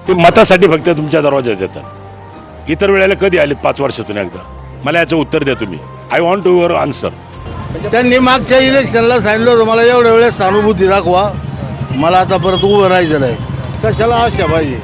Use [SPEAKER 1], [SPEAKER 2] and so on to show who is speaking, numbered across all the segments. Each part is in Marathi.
[SPEAKER 1] ते मतासाठी फक्त तुमच्या दरवाज्यात येतात. इतर वेळेला कधी आलेत 5 वर्षातून एकदा? मला याचं उत्तर द्या तुम्ही. I want to your answer.
[SPEAKER 2] त्यांनी मागच्या इलेक्शनला सांगितलं होतं मला एवढ्या वेळेस सहानुभूती दाखवा, मला आता परत उभं राहायचं नाही. कशाला आशा पाहिजे?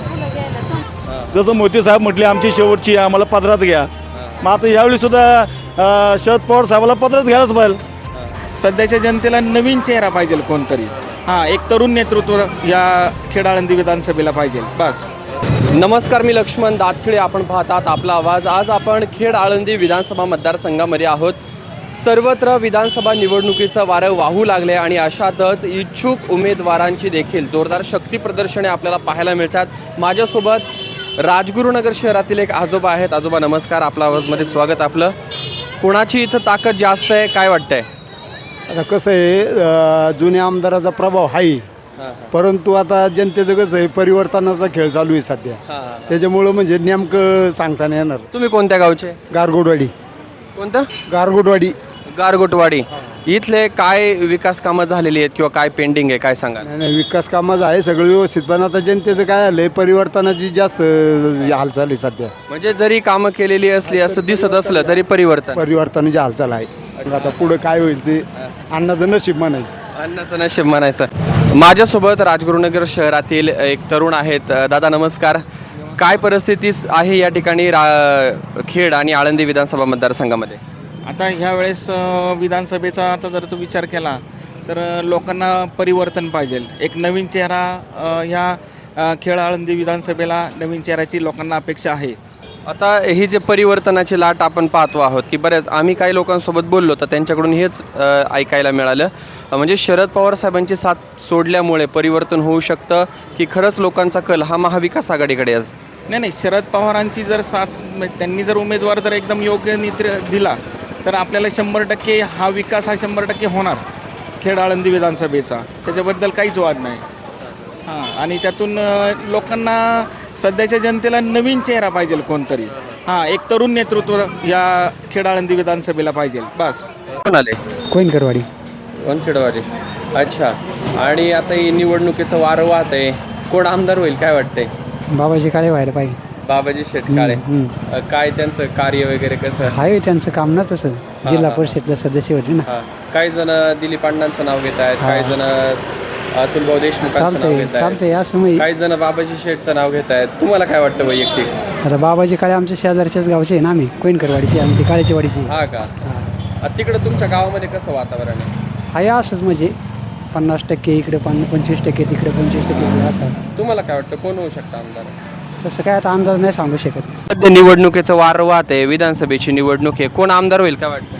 [SPEAKER 3] जसं मोदी साहेब म्हटले आमची शेवटची आहे, आम्हाला पदरात घ्या. मग आता यावेळी सुद्धा शरद पवार साहेबाला पदरात घ्यायलाच पाहिजे.
[SPEAKER 4] सध्याच्या जनतेला नवीन चेहरा पाहिजे कोणतरी. एक तरुण नेतृत्व या खेड आळंदी विधानसभेला पाहिजे बस.
[SPEAKER 5] नमस्कार, मी लक्ष्मण दातखिळे. आपण पाहतात आपला आवाज. आज आपण खेड आळंदी विधानसभा मतदारसंघामध्ये आहोत. सर्वत्र विधानसभा निवडणुकीचं वारं वाहू लागले आणि अशातच इच्छुक उमेदवारांची देखील जोरदार शक्ती प्रदर्शने आपल्याला पाहायला मिळतात. माझ्यासोबत राजगुरुनगर शहरातील एक आजोबा आहेत. आजोबा नमस्कार, आपला आवाजमध्ये स्वागत आपलं. कोणाची इथं ताकद जास्त आहे काय वाटतंय?
[SPEAKER 2] आता कसं आहे, जुन्या आमदाराचा प्रभाव आहे, परंतु आता जनतेचं कसं आहे, परिवर्तनाचा खेळ चालू आहे सध्या. त्याच्यामुळं म्हणजे नेमकं सांगता नाही येणार.
[SPEAKER 5] तुम्ही कोणत्या गावचे?
[SPEAKER 2] गारगोटवाडी.
[SPEAKER 5] कोणतं?
[SPEAKER 2] गारगोटवाडी.
[SPEAKER 5] गारगोटवाडी. इथले काय विकास कामं झालेली आहेत किंवा काय पेंडिंग आहे काय सांगा?
[SPEAKER 2] नाही, विकास कामाचं आहे सगळं व्यवस्थित, पण आता जनतेचं काय झालंय, परिवर्तनाची जास्त हालचाल आहे सध्या.
[SPEAKER 5] म्हणजे जरी कामं केलेली असली असं दिसत असलं तरी
[SPEAKER 2] परिवर्तनाची हालचाल आहे. आता पुढं काय होईल ते अण्णाचं नशीब म्हणायचं.
[SPEAKER 5] अन्नाचं नशीब म्हणायचं. माझ्यासोबत राजगुरुनगर शहरातील एक तरुण आहेत. दादा नमस्कार. काय परिस्थिती आहे या ठिकाणी खेड आणि आळंदी विधानसभा मतदारसंघामध्ये?
[SPEAKER 4] आता ह्या वेळेस विधानसभेचा आता जर विचार केला तर लोकांना परिवर्तन पाहिजे. एक नवीन चेहरा ह्या खेड आळंदी विधानसभेला नवीन चेहऱ्याची लोकांना अपेक्षा आहे.
[SPEAKER 5] आता ही जे परिवर्तनाची लाट आपण पाहतो आहोत की बऱ्याच आम्ही काही लोकांसोबत बोललो तर त्यांच्याकडून हेच ऐकायला मिळालं, म्हणजे शरद पवार साहेबांची साथ सोडल्यामुळे परिवर्तन होऊ शकतं की खरंच लोकांचा कल हा महाविकास आघाडीकडे आज?
[SPEAKER 4] नाही, शरद पवारांची जर साथ, त्यांनी जर उमेदवार जर एकदम योग्य दिला तर आपल्याला 100% हा विकास हा 100% होणार खेड आळंदी विधानसभेचा. त्याच्याबद्दल काहीच वाद नाही. आणि त्यातून लोकांना सध्याच्या जनतेला नवीन चेहरा पाहिजे कोणतरी. एक तरुण नेतृत्व या खेड आळंदी विधानसभेला पाहिजे बस.
[SPEAKER 5] कोण आले?
[SPEAKER 6] कोइनकरवाडी.
[SPEAKER 5] वनखेडवाडी. अच्छा. आणि आता ही निवडणुकीचं वारं वाहत आहे, कोण आमदार होईल काय वाटतंय?
[SPEAKER 6] बाबाजी काळे व्हायला पाहिजे.
[SPEAKER 5] बाबाजी शेटकाळे. काय त्यांचं कार्य वगैरे कसं
[SPEAKER 6] आहे? त्यांचं काम ना तसं. जिल्हा परिषदला सदस्य होते ना.
[SPEAKER 5] काही जण दिलीप अण्णांचं नाव घेत आहेत, काही जण अतुलभाऊ देशमुखांचं नाव
[SPEAKER 6] चालतंय
[SPEAKER 5] घेत आहेत,
[SPEAKER 6] चालतंय असं माहिती.
[SPEAKER 5] काही जण बाबाजी शेठचं नाव घेत आहेत. तुम्हाला काय वाटतं वैयक्तिक?
[SPEAKER 6] आता बाबाजी काळे आमच्या शेजारच्याच गावचे आहे ना, आम्ही कोइनकरवाडीची, आम्ही ती काळेची वाडीची.
[SPEAKER 5] हा का? तिकडं तुमच्या गावामध्ये कसं वातावरण आहे?
[SPEAKER 6] आहे असंच, म्हणजे 50% इकडे 25%, तिकडे 25% असं.
[SPEAKER 5] तुम्हाला काय वाटतं कोण होऊ शकतं आमदार?
[SPEAKER 6] तसं काय आता अंदाज नाही सांगू शकत.
[SPEAKER 5] सध्या निवडणुकीचं वारं वाहत आहे, विधानसभेची निवडणूक आहे, कोण आमदार होईल काय वाटतं?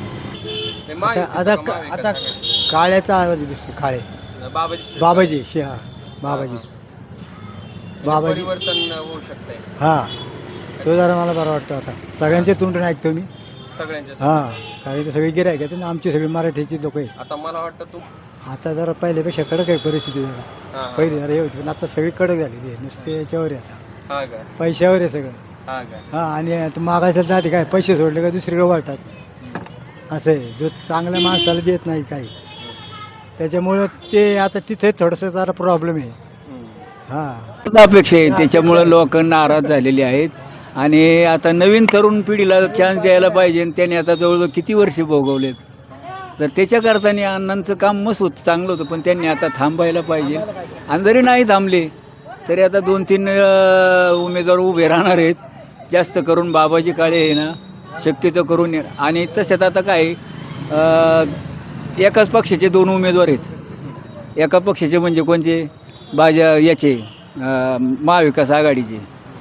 [SPEAKER 2] आता काळ्याचा आवाज दिसतो. काळे बाबाजी बाबाजी
[SPEAKER 5] परिवर्तन होऊ शकतंय.
[SPEAKER 2] तो जरा मला बरं वाटतं. आता सगळ्यांचे तोंड ऐकतो मी
[SPEAKER 5] सगळ्यांच्या.
[SPEAKER 2] कारण ते सगळे गिरायक आहेत ना, आमची सगळी मराठीची लोक आहेत.
[SPEAKER 5] आता मला वाटतं तू
[SPEAKER 2] आता जरा पहिल्यापेक्षा कडक आहे परिस्थिती. जरा पहिली जरा हे होती, पण आता सगळी कडक झालेली आहे. नुसते याच्यावर आहे, आता पैशावर आहे सगळं. आणि आता मागायचं जाते काय, पैसे सोडले का दुसरीकडे वळतात. असं आहे, जो चांगल्या माणसाला देत नाही काही, त्याच्यामुळं ते आता तिथे थोडंसं जरा प्रॉब्लेम आहे.
[SPEAKER 7] अपेक्षा आहे, त्याच्यामुळं लोक नाराज झालेली आहेत. आणि आता नवीन तरुण पिढीला चान्स द्यायला पाहिजे. आणि त्याने आता जवळजवळ किती वर्ष भोगवलेत, तर त्याच्याकरता अण्णांचं काम मस्त होतं, चांगलं होतं, पण त्यांनी आता थांबायला पाहिजे. आणि जरी नाही थांबले तरी आता 2-3 उमेदवार उभे राहणार आहेत. जास्त करून बाबाजी काळे आहे ना, शक्यतो करून. आणि तशात आता काय, एकाच पक्षाचे 2 उमेदवार आहेत. एका पक्षाचे म्हणजे कोणचे? याचे महाविकास आघाडीचे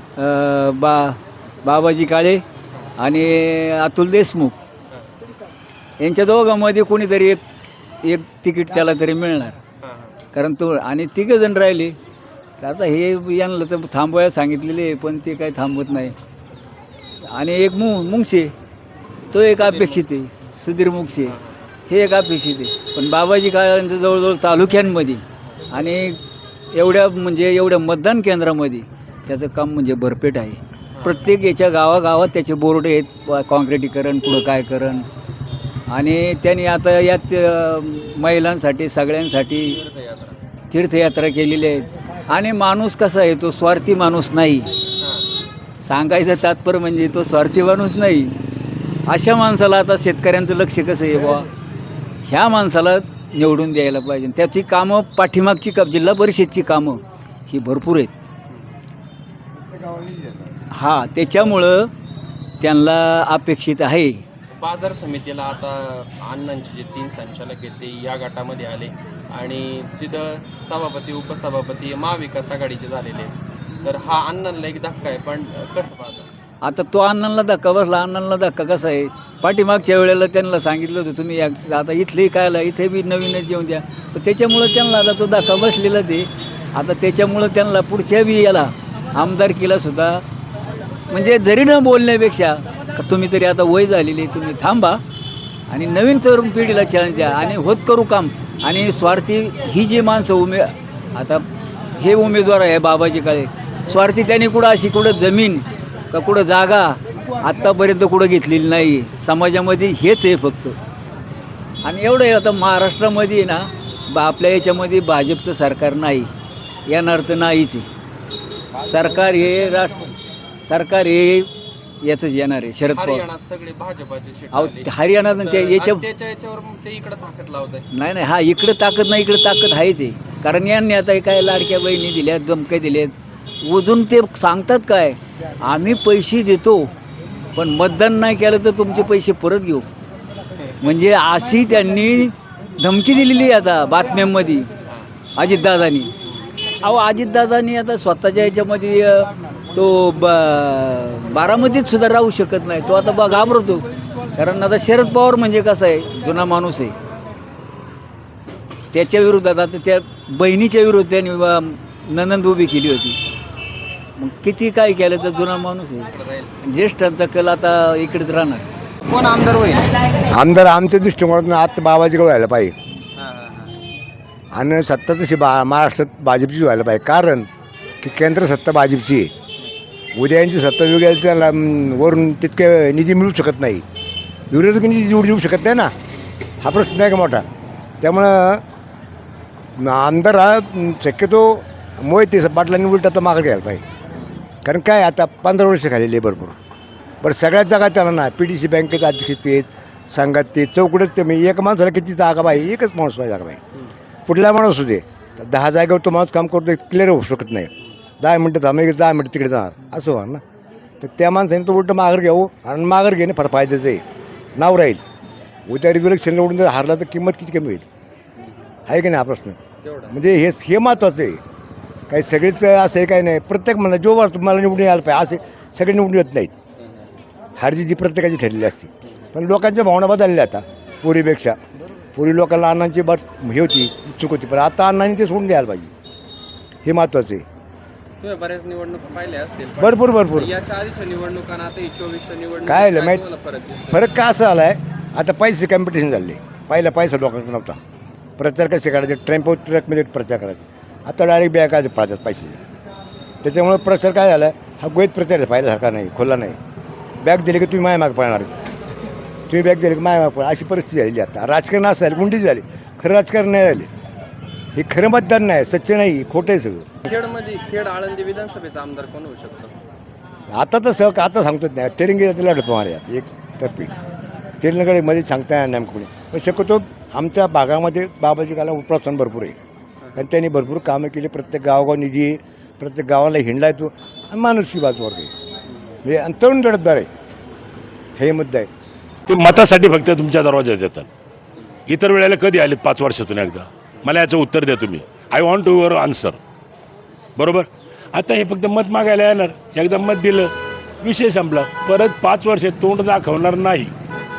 [SPEAKER 7] बाबाजी काळे आणि अतुल देशमुख. यांच्या दोघांमध्ये कोणीतरी एक तिकीट त्याला तरी मिळणार. कारण तो आणि 3 जण राहिले, तर आता हे यांना तर थांबवायला सांगितलेले, पण ते काही थांबवत नाही. आणि एक मुंगसे, तो एक अपेक्षित आहे. सुधीर मुंगसे हे एक अपेक्षित आहे. पण बाबाजी काळांचं जवळजवळ तालुक्यांमध्ये आणि एवढ्या मतदान केंद्रामध्ये त्याचं काम म्हणजे भरपेट आहे. प्रत्येक याच्या गावागावात त्याचे बोर्ड आहेत, काँक्रिटीकरण पुढं काय करण. आणि त्यांनी आता यात महिलांसाठी सगळ्यांसाठी तीर्थयात्रा केलेली आहेत. आणि माणूस कसा आहे, तो स्वार्थी माणूस नाही. सांगायचं तात्पर्य म्हणजे तो स्वार्थी माणूस नाही. अशा माणसाला आता शेतकऱ्यांचं लक्ष कसं आहे बुवा, ह्या माणसाला निवडून द्यायला पाहिजे. त्याची कामं पाठीमागची जिल्हा परिषदची कामं ही भरपूर आहेत. हां, त्याच्यामुळं त्यांना अपेक्षित आहे.
[SPEAKER 5] बाजार समितीला आता अण्णांचे जे 3 संचालक आहेत ते या गटामध्ये आले आणि तिथं सभापती उपसभापती महाविकास आघाडीचे झालेले आहेत. तर हा अण्णांना एक धक्का आहे, पण कसं पाहता?
[SPEAKER 7] आता तो अण्णांना धक्का बसला. अण्णांना धक्का कसा आहे, पाठीमागच्या वेळेला त्यांना सांगितलं होतं तुम्ही आता इथलेही काय आला, इथे बी नवीनच येऊन द्या. पण त्याच्यामुळं त्यांना आता तो धक्का बसलेलाच आहे. आता त्याच्यामुळं त्यांना पुढच्या बी याला आमदारकीला सुद्धा म्हणजे जरी न बोलण्यापेक्षा तुम्ही तरी आता वय झालेली, तुम्ही थांबा आणि नवीन तरुण पिढीला चॅलेंज द्या आणि होत करू काम. आणि स्वार्थी ही जी माणसं आता हे उमेदवार आहे बाबाजी काळे, स्वार्थी त्यांनी कुठं अशी कुठं जमीन का कुठं जागा आत्तापर्यंत कुठं घेतलेली नाही. समाजामध्ये हेच आहे फक्त. आणि एवढं आहे आता महाराष्ट्रामध्ये ना आपल्या याच्यामध्ये भाजपचं सरकार नाही, येणार तर नाहीच आहे. सरकार हे याचंच येणार आहे. शरद पवार
[SPEAKER 5] हरियाणात सगळे भाजपाचे सीट
[SPEAKER 7] अहो
[SPEAKER 5] आले.
[SPEAKER 7] हरियाणात
[SPEAKER 5] तर
[SPEAKER 7] ते याच्यावर
[SPEAKER 5] त्याच्यावर मग ते इकडे ताकद लावत आहे.
[SPEAKER 7] नाही हा इकडं ताकद नाही, इकडं ताकद आहेच आहे. कारण यांनी आता काय लाडक्या बहिणी दिल्यात, धमक्या दिल्यात. अजून ते सांगतात काय, आम्ही पैसे देतो पण मतदान नाही केलं तर तुमचे पैसे परत घेऊ. म्हणजे अशी त्यांनी धमकी दिलेली आहे आता बातम्यांमध्ये अजितदादांनी. अहो अजितदादांनी आता स्वतःच्या ह्याच्यामध्ये तो बारामतीत सुद्धा राहू शकत नाही. तो आता घाबरतो. कारण आता शरद पवार म्हणजे कसं आहे, जुना माणूस आहे. त्याच्या विरोधात आता त्या बहिणीच्या विरोधात त्यांनी ननंद उभी केली होती. मग किती काय केलं तर जुना माणूस आहे. ज्येष्ठांचा कल आता इकडेच राहणार.
[SPEAKER 5] कोण आमदार होईल?
[SPEAKER 8] आमदार आमच्या दृष्टिकोनातून आता बाबाजीकडे व्हायला पाहिजे आणि सत्ता तशी महाराष्ट्रात भाजपची व्हायला पाहिजे. कारण की केंद्र सत्ता भाजपची आहे. उद्या यांची सत्ता वेगळी त्याला वरून तितके निधी मिळू शकत नाही. विरोधक निधी देऊ शकत नाही ना, हा प्रश्न आहे का मोठा. त्यामुळं आमदार हा शक्यतो मोहिते पाटलांनी उलटा तर मागं घ्यायला पाहिजे. कारण काय आता 15 वर्ष खाल्लेली आहे भरपूर. बरं सगळ्यात जागा त्याला ना PDC बँकेत अध्यक्ष तेच, संघात ते चौकडच ते म्हणजे एक माणसाला किती जागा पाहिजे, एकच माणूस पाहिजे जागा पाहिजे. कुठला माणूस होते 10 जागेवर तो माणूस काम करतो, क्लिअर होऊ शकत नाही. 10 मिनटं थांबे 10 मिनटं तिकडे जाणार असं होणार ना. तर त्या माणसाने तो उलटं माघार घ्यावं आणि माघार घेणे फार फायद्याचं आहे. नाव राहील. उद्या इलेक्शन निवडून जर हारला तर किंमत किती कमी होईल, आहे की नाही हा प्रश्न. म्हणजे हे महत्त्वाचं आहे. काही सगळेच असं आहे काही नाही. प्रत्येक मला जो वाटतो मला निवडून यायला पाहिजे असे सगळे निवडून येत नाहीत. हारजी जी प्रत्येकाची ठरलेली असते. पण लोकांच्या भावना बदलल्या आता पूर्वीपेक्षा. पूर्वी लोकांना अण्णांची हे होती, उत्सुक होती, पण आता अण्णांनी ते सोडून द्यायला पाहिजे. हे महत्त्वाचं आहे.
[SPEAKER 5] तुम्ही बऱ्याच निवडणुका पाहिल्या असतील.
[SPEAKER 8] भरपूर
[SPEAKER 5] याच्या आधीच्या निवडणुकांना आता 24 निवडणूक
[SPEAKER 8] काय आलं माहीत, फरक काय असा आला आहे आता पैसे कॉम्पिटिशन झाले. पहिला पैसा लोकांकडे नव्हता. प्रचार कसे करायचे, ट्रकमध्ये प्रचार करायचे. आता डायरेक्ट बॅग काय पाळतात पैसे. त्याच्यामुळे प्रचार काय झाला, हा गोयत प्रचार आहे, पाहिल्यासारखा नाही, खुला नाही. बॅग दिली की तुम्ही माय माग पळणार, तुम्ही बॅग दिली की माय माग पळणार, अशी परिस्थिती झालेली. आता राजकारण असं झालं, गुंडी झाली. खरं राजकारण नाही झाले. हे खरं मतदान नाही, सच्च नाही, खोटं आहे सगळं.
[SPEAKER 5] खेड आळंदी विधानसभेचा आमदार कोण होऊ शकतो?
[SPEAKER 8] आता तर आता सांगतोच नाही. तेरंगी लढतो मला एक तर्फी तेलंगणमध्ये सांगता येणार नाही कोणी. पण शक्यतो आमच्या भागामध्ये बाबाजी काला प्रोत्साहन भरपूर आहे. कारण त्यांनी भरपूर कामं केली. प्रत्येक गावगाव निधी आहे, प्रत्येक गावाला हिंडला येतो आणि माणुसकी बाजूवर काही म्हणजे तरुण लढतदार आहे. हे मुद्दा आहे.
[SPEAKER 1] ते मतासाठी फक्त तुमच्या दरवाज्यात येतात. इतर वेळेला कधी आलेत 5 वर्षातून एकदा? मला याचं उत्तर द्या तुम्ही. I want to your answer. बरोबर. आता हे फक्त मत मागायला येणार. एकदा मत दिलं, विषय संपला. परत 5 वर्ष तोंड दाखवणार नाही.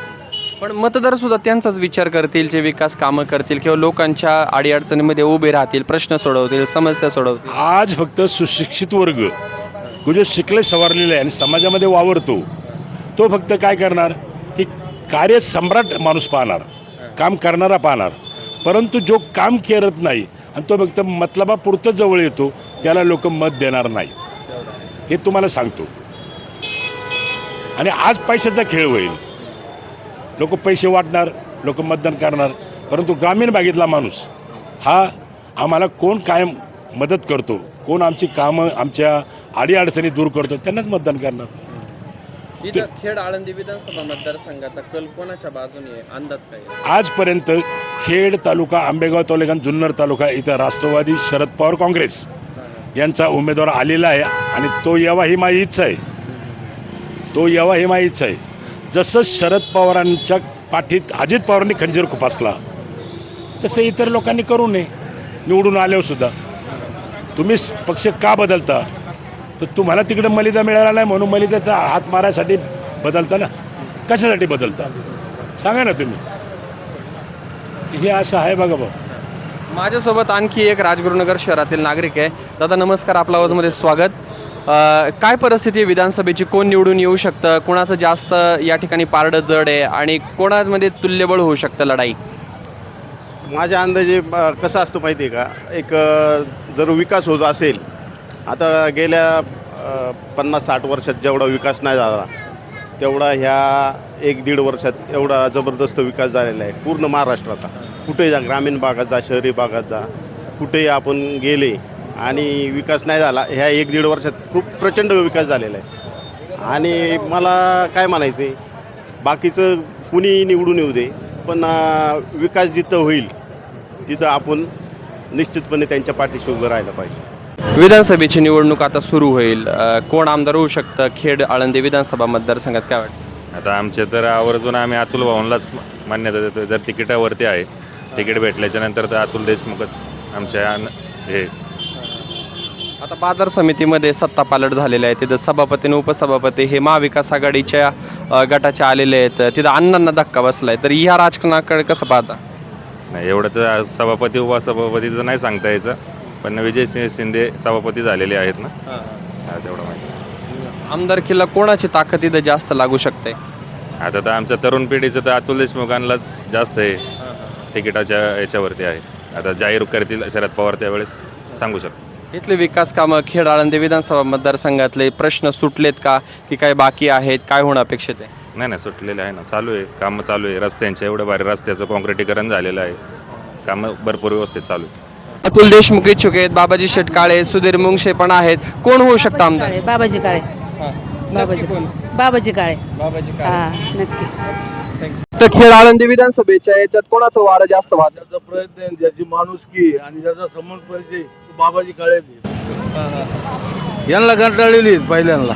[SPEAKER 5] पण मतदार सुद्धा त्यांचाच विचार करतील, जे विकास कामं करतील किंवा लोकांच्या अडीअडचणीमध्ये उभे राहतील, प्रश्न सोडवतील, समस्या सोडवतील.
[SPEAKER 1] आज फक्त सुशिक्षित वर्ग जो शिकले सवारलेला आहे आणि समाजामध्ये वावरतो, तो फक्त काय करणार की कार्य सम्राट माणूस पाहणार, काम करणारा पाहणार. परंतु जो काम करत नाही आणि तो फक्त मतलबापुरतं जवळ येतो, त्याला लोक मत देणार नाही. हे तुम्हाला सांगतो. आणि आज पैशाचा खेळ होईल. लोक पैसे वाटणार, लोक मतदान करणार. परंतु ग्रामीण भागातला माणूस हा आम्हाला कोण कायम मदत करतो, कोण आमची कामं आमच्या अडीअडचणी दूर करतो त्यांनाच मतदान करणार.
[SPEAKER 5] इथं खेड आळंदी विधानसभा मतदारसंघाचा कल कोणाच्या बाजूने आहे? अंदाज काय आहे?
[SPEAKER 1] आजपर्यंत खेड तालुका, आंबेगाव तालुका, जुन्नर तालुका इथं राष्ट्रवादी शरद पवार काँग्रेस यांचा उमेदवार आलेला आहे आणि तो यावा ही माझी इच्छा आहे. तो यावा ही माझी इच्छा आहे. जसं शरद पवारांच्या पाठीत अजित पवारांनी खंजीर खुपासला तसं इतर लोकांनी करू नये. निवडून आल्यावर सुद्धा तुम्ही पक्ष का बदलता? तर तुम्हाला तिकडं मलिदा मिळाला नाही म्हणून मलिदाचा हात मारायसाठी बदलता ना. कशासाठी बदलता सांगा ना तुम्ही. हे असं आहे बघा भाऊ.
[SPEAKER 5] माझ्यासोबत आणखी एक राजगुरुनगर शहरातील नागरिक आहे. दादा नमस्कार, आपल्या आवाजमध्ये स्वागत. काय परिस्थिती आहे विधानसभेची? कोण निवडून येऊ शकतं? कोणाचं जास्त या ठिकाणी पारडं जड आहे आणि कोणामध्ये तुल्यबळ होऊ शकतं लढाई?
[SPEAKER 9] माझ्या अंदाजे कसं असतं माहिती आहे का, एक जर विकास होत असेल, आता गेल्या 50-60 वर्षात जेवढा विकास नाही झाला तेवढा ह्या 1-1.5 वर्षात एवढा जबरदस्त विकास झालेला आहे पूर्ण महाराष्ट्राचा. कुठेही जा, ग्रामीण भागात जा, शहरी भागात जा, कुठेही आपण गेले आणि विकास नाही झाला. ह्या 1-1.5 वर्षात खूप प्रचंड विकास झालेला आहे. आणि मला काय म्हणायचं आहे, बाकीचं कुणी निवडून येऊ दे, पण विकास जिथं होईल तिथं आपण निश्चितपणे त्यांच्या पाठीशी उभं राहायला पाहिजे.
[SPEAKER 5] विधानसभेची निवडणूक आता सुरू होईल. कोण आमदार होऊ शकतं खेड आळंदी विधानसभा मतदारसंघात, काय वाटतं?
[SPEAKER 10] आता आमचे तर आवर्जून आम्ही अतुल भाऊंलाच मान्यता देतो. जर तिकिटावरती आहे, तिकीट भेटल्याच्या नंतर तर अतुल देशमुखच आमच्या हे.
[SPEAKER 5] आता बाजार समितीमध्ये सत्ता पालट झालेले आहे. तिथं सभापती आणि उपसभापती हे महाविकास आघाडीच्या गटाचे आलेले आहेत. तिथं अण्णांना धक्का बसला आहे. तर ह्या राजकारणाकडे कसं पाहता?
[SPEAKER 10] नाही, एवढं तर सभापती उपसभापतीचं नाही सांगता यायचं, पण विजय शिंदे सभापती झालेले आहेत ना, तेवढं माहिती.
[SPEAKER 5] आमदारकीला कोणाची ताकद इथं जास्त लागू शकते?
[SPEAKER 10] आता तर आमच्या तरुण पिढीचं तर अतुल देशमुखांनाच जास्त आहे, तिकिटाच्या याच्यावरती आहे. आता जाहीर करतील शरद पवार त्यावेळेस सांगू शकतो.
[SPEAKER 5] इथले विकास कामं खेड आळंदी विधानसभा मतदारसंघातले प्रश्न सुटलेत का, की काय बाकी आहेत? काय होणं अपेक्षित आहे?
[SPEAKER 10] नाही, सुटलेले आहे ना, चालू आहे, कामं चालू आहे. रस्त्यांचे एवढं भारी रस्त्याचं काँक्रिटीकरण झालेलं आहे, कामं भरपूर व्यवस्थित चालू आहे.
[SPEAKER 5] अतुल देशमुख इच्छुक आहेत, बाबाजी शेटकाळे, सुधीर मुंगशे पण आहेत. कोण होऊ शकतं आमदार?
[SPEAKER 11] बाबाजी काळे. बाबाजी काळे. हा, नक्की.
[SPEAKER 5] तर खेड आळंदी विधानसभेच्या याच्यात कोणाचं वारं जास्त वाहतं?
[SPEAKER 12] त्याचा प्रयत्न, ज्याची माणुसकी आणि ज्याचा समोर परिचय बाबाजी काळेचे. यांना कंटाळलेली आहेत पहिल्यांदा.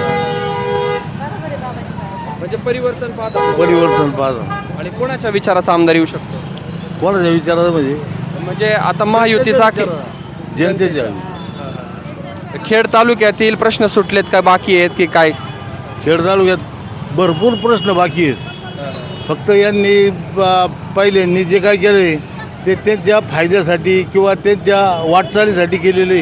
[SPEAKER 5] म्हणजे परिवर्तन पाहता.
[SPEAKER 12] परिवर्तन पाहता.
[SPEAKER 5] आणि कोणाच्या विचाराचा आमदार येऊ शकतो?
[SPEAKER 12] कोणाच्या विचाराचं
[SPEAKER 5] म्हणजे आता महायुतीचा
[SPEAKER 12] जनतेच्या.
[SPEAKER 5] खेड तालुक्यातील प्रश्न सुटलेत का, बाकी आहेत की काय?
[SPEAKER 12] खेड तालुक्यात भरपूर प्रश्न बाकी आहेत. फक्त यांनी पहिल्यांनी जे काय केले ते त्यांच्या फायद्यासाठी किंवा त्यांच्या वाटचालीसाठी केलेले.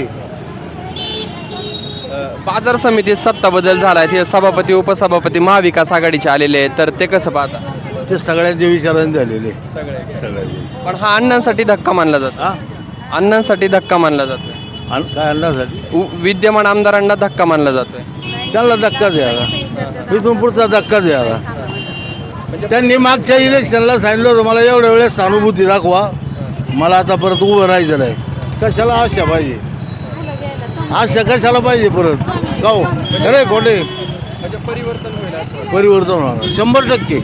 [SPEAKER 5] बाजार समितीत सत्ता बदल झाला आहे, सभापती उपसभापती महाविकास आघाडीचे आलेले आहेत. तर ते कसं पाहता?
[SPEAKER 12] ते सगळ्यांच्या विचाराने झालेले. सगळ्यांचे.
[SPEAKER 5] पण हा अण्णांसाठी धक्का मानला जातो. अण्णांसाठी धक्का मानला जातोय.
[SPEAKER 12] काय अन्नासाठी?
[SPEAKER 5] विद्यमान आमदारांना धक्का मानला जातोय.
[SPEAKER 12] त्यांना धक्काच यायला, इथून पुढचा धक्काच यायला. त्यांनी मागच्या इलेक्शनला सांगितलं होतं मला एवढ्या वेळेस सहानुभूती दाखवा, मला आता परत उभं राहायचं नाही. कशाला आशा पाहिजे? आशा कशाला पाहिजे परत? का हो खरे खोटे?
[SPEAKER 5] परिवर्तन होईल,
[SPEAKER 12] परिवर्तन होणार 100%.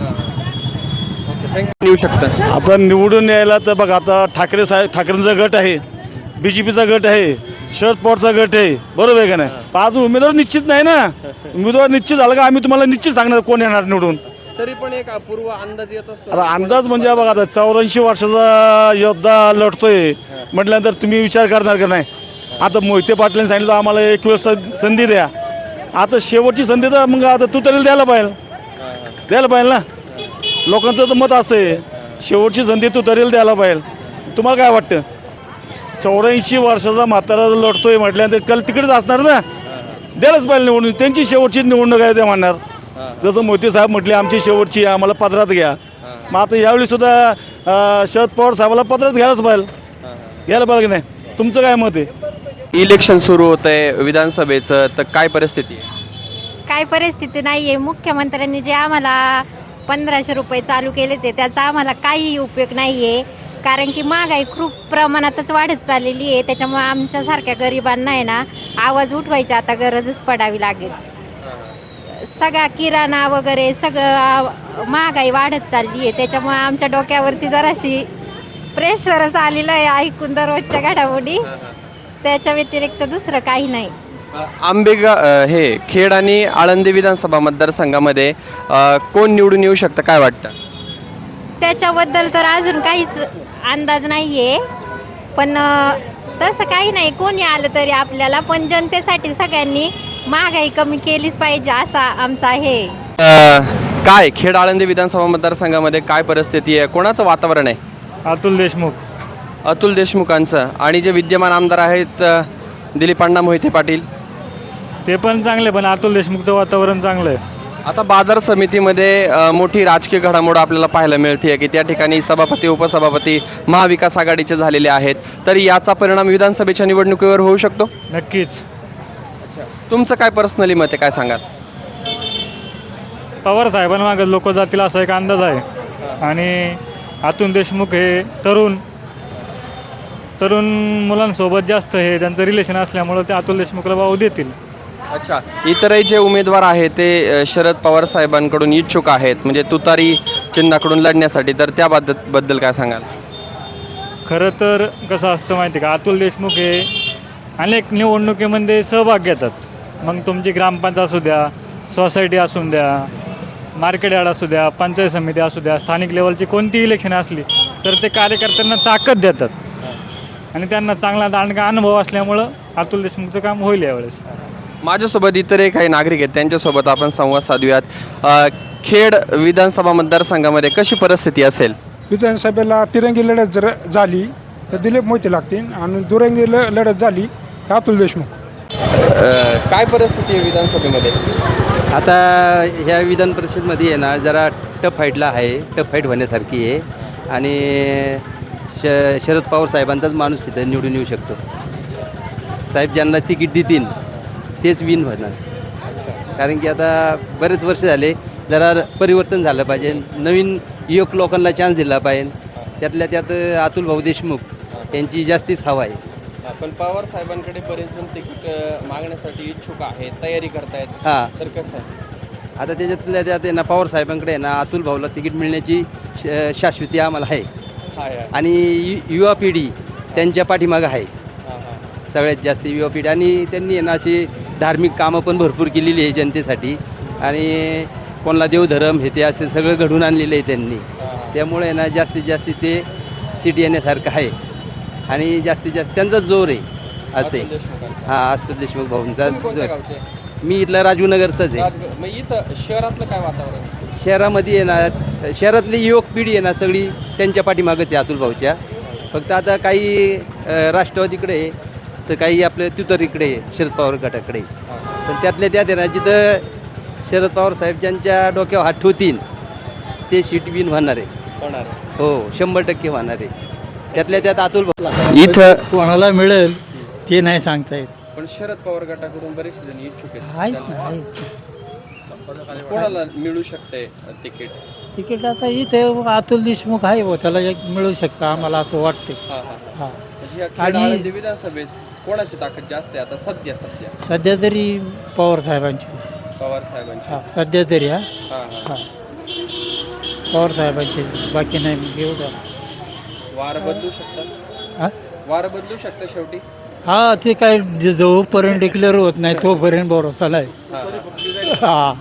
[SPEAKER 5] येऊ शकतं.
[SPEAKER 3] आता निवडून यायला तर बघा, आता ठाकरेंचा गट आहे, BJPचा गट आहे, शरद पवारचा गट आहे, बरोबर आहे का नाही? पण अजून उमेदवार निश्चित नाही ना. उमेदवार निश्चित झाला का आम्ही तुम्हाला निश्चित सांगणार कोण येणार निवडून.
[SPEAKER 5] तरी पण एक पूर्व अंदाज येत असतो.
[SPEAKER 3] आता अंदाज म्हणजे बघा, आता 84 वर्षाचा योद्धा लढतोय म्हटल्यानंतर तुम्ही विचार करणार का नाही? आता मोहिते पाटलांनी सांगितलं आम्हाला एक वेळेस संधी द्या. आता शेवटची संधी तर मग आता तू तरी द्यायला पाहिजे ना. लोकांचं तर मत असं आहे, शेवटची संधी तू तरी द्यायला पाहिजे. तुम्हाला काय वाटतं? 84 वर्षाचा म्हातारा लढतोय म्हटल्यानंतर कल तिकडेच असणार ना, द्यायलाच पाहिजे निवडून. त्यांची शेवटची निवडणूक आहे ते म्हणणार. जसं मोदी साहेब म्हटले आमची शेवटची, आम्हाला पदरात घ्या. मग आता यावेळी सुद्धा शरद पवार साहेबाला पदरात घ्यायला पाहिजे की नाही? तुमचं काय मत आहे?
[SPEAKER 5] इलेक्शन सुरू होत आहे विधानसभेचं, तर काय परिस्थिती आहे?
[SPEAKER 11] काय परिस्थिती नाही आहे. मुख्यमंत्र्यांनी जे आम्हाला 1500 रुपये चालू केले ते त्याचा आम्हाला काही उपयोग नाही आहे. कारण की महागाई खूप प्रमाणातच वाढत चाललेली आहे. त्याच्यामुळे आमच्यासारख्या गरिबांना आहे ना आवाज उठवायची आता गरजच पडावी लागेल. सगळा किराणा वगैरे सगळं महागाई वाढत चालली आहे. त्याच्यामुळे आमच्या डोक्यावरती जराशी प्रेशरच आलेलं आहे ऐकून दररोजच्या घडामोडी. त्याच्या व्यतिरिक्त दुसरं काही नाही.
[SPEAKER 5] हे खेड आणि आळंदी विधानसभा मतदारसंघामध्ये कोण निवडून येऊ शकतं काय वाटतं?
[SPEAKER 11] त्याच्याबद्दल तर अजून काहीच अंदाज नाही आहे. पण तसं काही नाही, कोणी आलं तरी आपल्याला. पण जनतेसाठी सगळ्यांनी महागाई कमी केलीच पाहिजे असा आमचा आहे.
[SPEAKER 5] काय खेड आळंदी विधानसभा मतदारसंघामध्ये काय परिस्थिती आहे? कोणाचं वातावरण आहे?
[SPEAKER 3] अतुल देशमुख.
[SPEAKER 5] अतुल देशमुखांचं. आणि जे विद्यमान आमदार आहेत दिलीप अण्णा मोहिते पाटील,
[SPEAKER 3] ते पण चांगले, पण अतुल देशमुखचं वातावरण चांगलं आहे.
[SPEAKER 5] आता बाजार समितीमध्ये मोठी राजकीय घडामोड आपल्याला पाहायला मिळते की त्या ठिकाणी सभापती उपसभापती महाविकास आघाडीचे झालेले आहेत. तर याचा परिणाम विधानसभेच्या निवडणुकीवर होऊ शकतो?
[SPEAKER 3] नक्कीच.
[SPEAKER 5] तुमचं काय पर्सनली मत आहे, काय सांगाल?
[SPEAKER 3] पवार साहेबांमागे लोक जातील असा एक अंदाज आहे. आणि अतुल देशमुख हे तरुण मुलांसोबत जास्त हे त्यांचं रिलेशन असल्यामुळं ते अतुल देशमुखला भाव देतील.
[SPEAKER 5] अच्छा, इतरही जे उमेदवार आहेत ते शरद पवार साहेबांकडून इच्छुक आहेत, म्हणजे तुतारी चिन्हाकडून लढण्यासाठी. तर त्याबद्दल काय सांगाल?
[SPEAKER 3] खरं तर कसं असतं माहिती का, अतुल देशमुख हे अनेक निवडणुकीमध्ये सहभाग घेतात. मग तुमची ग्रामपंचायत असू द्या, सोसायटी असू द्या, मार्केट यार्ड असू द्या, पंचायत समिती असू द्या, स्थानिक लेवलची कोणतीही इलेक्शन असली तर ते कार्यकर्त्यांना ताकद देतात. आणि त्यांना चांगला दांडगा अनुभव असल्यामुळं अतुल देशमुखचं काम होईल यावेळेस.
[SPEAKER 5] माझ्यासोबत इतरही काही नागरिक आहेत, त्यांच्यासोबत आपण संवाद साधूयात. खेड विधानसभा मतदारसंघामध्ये कशी परिस्थिती असेल?
[SPEAKER 2] विधानसभेला तिरंगी लढत जर झाली तर दिलीप मोहिते लागतील आणि दुरंगी लढत झाली तर अतुल देशमुख.
[SPEAKER 5] काय परिस्थिती आहे विधानसभेमध्ये?
[SPEAKER 6] आता ह्या विधान परिषदमध्ये आहे ना जरा टफ फाईटला आहे, टफ फाईट होण्यासारखी आहे. आणि शरद पवार साहेबांचाच माणूस इथं निवडून येऊ शकतो. साहेब ज्यांना तिकीट देतील तेच विन होणार. कारण की आता बरेच वर्ष झाले, जरा परिवर्तन झालं पाहिजे, नवीन युवक लोकांना चान्स दिला पाहिजे. त्यातल्या त्यात अतुल भाऊ देशमुख यांची जास्तीच हवा आहे.
[SPEAKER 5] पण पवार साहेबांकडे बरेच जण तिकीट मागण्यासाठी इच्छुक आहेत, तयारी करतायत.
[SPEAKER 6] हां,
[SPEAKER 5] तर कसं आहे
[SPEAKER 6] आता त्याच्यातल्या त्यात आहे ना पवार साहेबांकडे आहे ना अतुल भाऊला तिकीट मिळण्याची शाश्वती आम्हाला आहे. आणि युवा पिढी त्यांच्या पाठीमागं आहे सगळ्यात जास्त युवा पिढी. आणि त्यांनी आहे ना अशी धार्मिक कामं पण भरपूर केलेली आहे जनतेसाठी. आणि कोणाला देवधर्म हे ते असे सगळं घडून आणलेलं आहे त्यांनी. त्यामुळे ना जास्तीत जास्त ते सीट येण्यासारखं आहे. आणि जास्तीत जास्त त्यांचा जोर आहे असे. हां, अतुल देशमुख भाऊंचा जोर. मी इथला राजूनगरचाच आहे.
[SPEAKER 5] मग इथं शहरातलं काय वातावरण?
[SPEAKER 6] शहरामध्ये आहे ना शहरातली युवक पिढी आहे ना सगळी त्यांच्या पाठीमागच आहे अतुल भाऊच्या. फक्त आता काही राष्ट्रवादीकडे आहे तर काही आपल्या तुतारीकडे आहे, शरद पवार गटाकडे. पण त्यातल्या त्यात आहे ना जिथं शरद पवार साहेब ज्यांच्या डोक्यावर हात ठेवतील ते सीट विन होणार आहे. हो, 100% होणार आहे. त्यातल्या त्यात अतुल भाऊ
[SPEAKER 2] इथं कोणाला मिळेल ते नाही सांगता येत.
[SPEAKER 5] पण शरद पवार गटाकडून बरेचसे जण इच्छुक
[SPEAKER 2] आहेत.
[SPEAKER 5] कोणाला मिळू शकते तिकीट?
[SPEAKER 2] तिकीट आता इथे अतुल देशमुख आहे हो, त्याला एक मिळू शकतं आम्हाला असं वाटतं. हां,
[SPEAKER 5] आणि विधानसभेत कोणाची ताकद जास्त आहे आता सध्या?
[SPEAKER 2] सध्या तरी पवार साहेबांची.
[SPEAKER 5] पवार साहेबांची.
[SPEAKER 2] हां, सध्या तरी. हां,
[SPEAKER 5] हां.
[SPEAKER 2] पवार साहेबांची, बाकी नाही एवढं.
[SPEAKER 5] वार बदलू शकतात.
[SPEAKER 2] हां,
[SPEAKER 5] वार बदलू शकतं शेवटी.
[SPEAKER 2] हां, ते काय जोपर्यंत डिक्लेअर होत नाही तोपर्यंत भरोसा नाही. हां,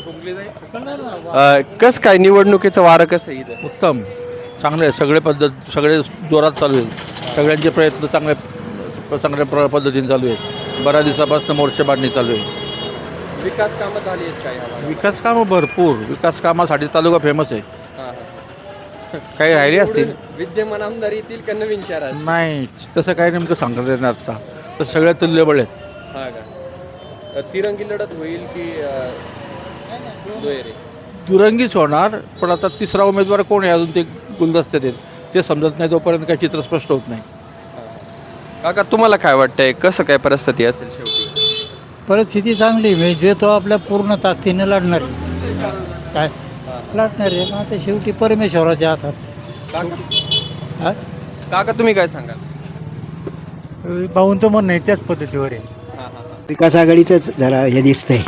[SPEAKER 5] कसं काय निवडणुकीचं वारं कसं आहे इथं?
[SPEAKER 3] उत्तम, चांगले आहे. सगळे जोरात चालू आहेत. सगळ्यांचे प्रयत्न चांगल्या पद्धतीने चालू आहेत. बऱ्याच दिवसापासून मोर्चे बांधणी चालू आहे.
[SPEAKER 5] विकास कामं झाली आहेत काय?
[SPEAKER 3] विकास कामं भरपूर. विकास कामासाठी तालुका फेमस आहे. काही राहिले असतील.
[SPEAKER 5] विद्यमान आमदार येतील का नवीन शहरात?
[SPEAKER 3] नाही, तसं काही नेमकं सांगता येत नाही आता. तर सगळ्या तुल्यबळ आहेत.
[SPEAKER 5] हा का? तिरंगी लढत होईल की दुहेरी?
[SPEAKER 3] दुरंगीच होणार. पण आता तिसरा उमेदवार कोण आहे अजून ते गुलदस्त्यात आहेत, ते समजत नाही. तोपर्यंत काही चित्र स्पष्ट होत नाही.
[SPEAKER 5] काका, तुम्हाला काय वाटतंय, कसं काय परिस्थिती असेल शेवटी?
[SPEAKER 2] परिस्थिती चांगली म्हणजे जे तो आपल्या पूर्ण ताकदीने लढणार काय लढणार आहे. मग आता शेवटी परमेश्वराच्या हातात. हां,
[SPEAKER 5] काका तुम्ही काय सांगाल?
[SPEAKER 2] भाऊंचं म्हणणं आहे त्याच पद्धतीवर आहे.
[SPEAKER 6] विकास आघाडीचंच जरा हे दिसतंय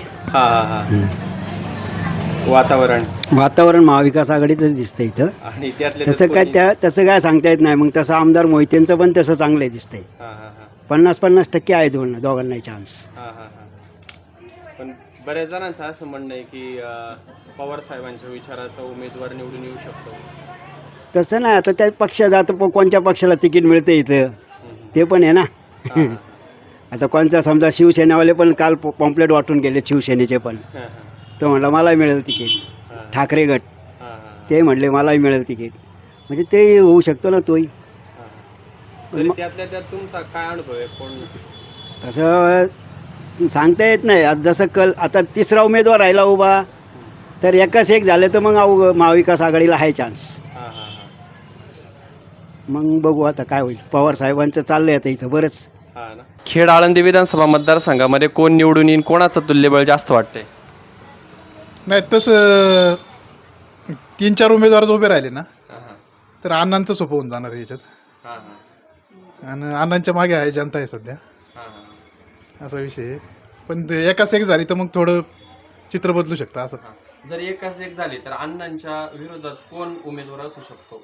[SPEAKER 6] वातावरण महाविकास आघाडीचंच दिसतंय इथं.
[SPEAKER 5] आणि त्यातले
[SPEAKER 6] तसं काय सांगता येत नाही. मग तसं आमदार मोहितेंचं पण तसं चांगलं दिसतंय. 50-50% आहे दोघांनाही चान्स.
[SPEAKER 5] पण बऱ्याच जणांचं असं म्हणणं आहे की पवार साहेबांच्या विचाराचा उमेदवार निवडून येऊ शकतो.
[SPEAKER 6] तसं नाही. आता त्या पक्षात आता कोणत्या पक्षाला तिकीट मिळते इथं ते पण आहे ना. आता कोणता समजा शिवसेनावाले पण काल पॉम्पलेट वाटून गेले शिवसेनेचे पण. तो म्हटला मलाही मिळेल तिकीट. ठाकरे गट ते म्हटले मलाही मिळेल तिकीट. म्हणजे ते होऊ शकतो ना तोही.
[SPEAKER 5] त्यातल्या त्यात तुमचा काय अनुभव आहे? कोण
[SPEAKER 6] तसं सांगता येत नाही. आज जसं आता तिसरा उमेदवार राहिला उभा तर एकाच एक झालं तर मग महाविकास आघाडीला आहे चान्स. मग बघू आता काय होईल. पवार साहेबांचं चाललंय आता इथं बरंच.
[SPEAKER 5] खेड आळंदी विधानसभा मतदारसंघामध्ये कोण निवडून येईल, कोणाचं तुल्यबळ जास्त वाटतंय?
[SPEAKER 12] नाही तसं 3-4 उमेदवार उभे राहिले ना तर अण्णांचं सोपं होऊन जाणार याच्यात. आणि अण्णांच्या मागे आहे जनता आहे सध्या असा विषय आहे. पण ते एकाच एक झाली तर मग थोडं चित्र बदलू शकतं असं.
[SPEAKER 5] जर एकाच एक झाली तर अण्णांच्या विरोधात कोण उमेदवार असू शकतो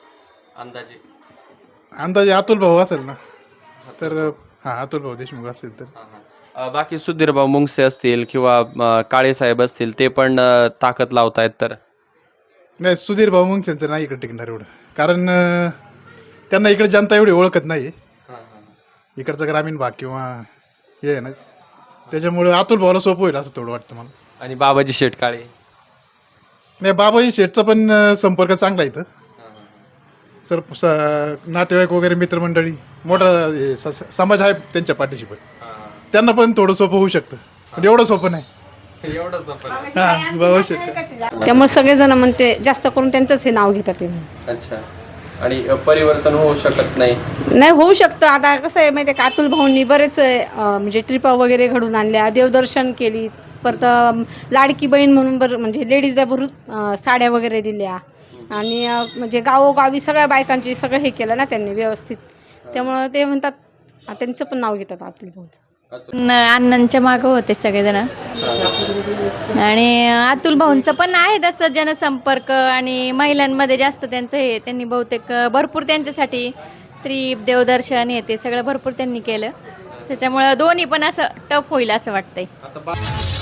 [SPEAKER 12] अंदाजे अतुल भाऊ असेल ना तर अतुल भाऊ देशमुख असेल तर.
[SPEAKER 5] बाकी सुधीरभाऊ मुंगसे असतील किंवा काळे साहेब असतील ते पण ताकद लावतायत. तर
[SPEAKER 12] नाही सुधीर भाऊ मुंगसेंचं नाही इकडे टिकणार एवढं. कारण त्यांना इकडे जनता एवढी ओळखत नाही. इकडचा ग्रामीण भाग किंवा हे आहे ना त्याच्यामुळे अतुल भाऊला सोपं होईल असं थोडं वाटतं मला.
[SPEAKER 5] आणि बाबाजी शेटकाळे?
[SPEAKER 12] नाही बाबाजी शेठचा पण संपर्क चांगला आहे इथं. नातेवाईक वगैरे मित्रमंडळी मोठा समाज आहे त्यांच्या पाठीशी. पण त्यांना पण थोडं सोपं होऊ शकतं. पण एवढं सोपं नाही.
[SPEAKER 13] त्यामुळे सगळेजण म्हणते जास्त करून त्यांचंच हे नाव घेतात.
[SPEAKER 5] अच्छा. आणि परिवर्तन होऊ शकत
[SPEAKER 13] नाही होऊ शकतं. आता कसं आहे माहिती आहे का, अतुल भाऊंनी बरेच म्हणजे ट्रिपा वगैरे घडून आणल्या, देवदर्शन केली, परत लाडकी बहीण म्हणून म्हणजे लेडीजला भरून साड्या वगैरे दिल्या. आणि म्हणजे गावोगावी सगळ्या बायकांची सगळं हे केलं ना त्यांनी व्यवस्थित. त्यामुळं ते म्हणतात त्यांचं पण नाव घेतात अतुल भाऊचं.
[SPEAKER 11] अण्णांच्या मागं होते सगळेजण. आणि अतुल भाऊंचं पण आहे तसं जनसंपर्क आणि महिलांमध्ये जास्त त्यांचं हे. त्यांनी बहुतेक भरपूर त्यांच्यासाठी ट्रीप देवदर्शन हे ते सगळं भरपूर त्यांनी केलं. त्याच्यामुळं दोन्ही पण असं टफ होईल असं वाटतंय.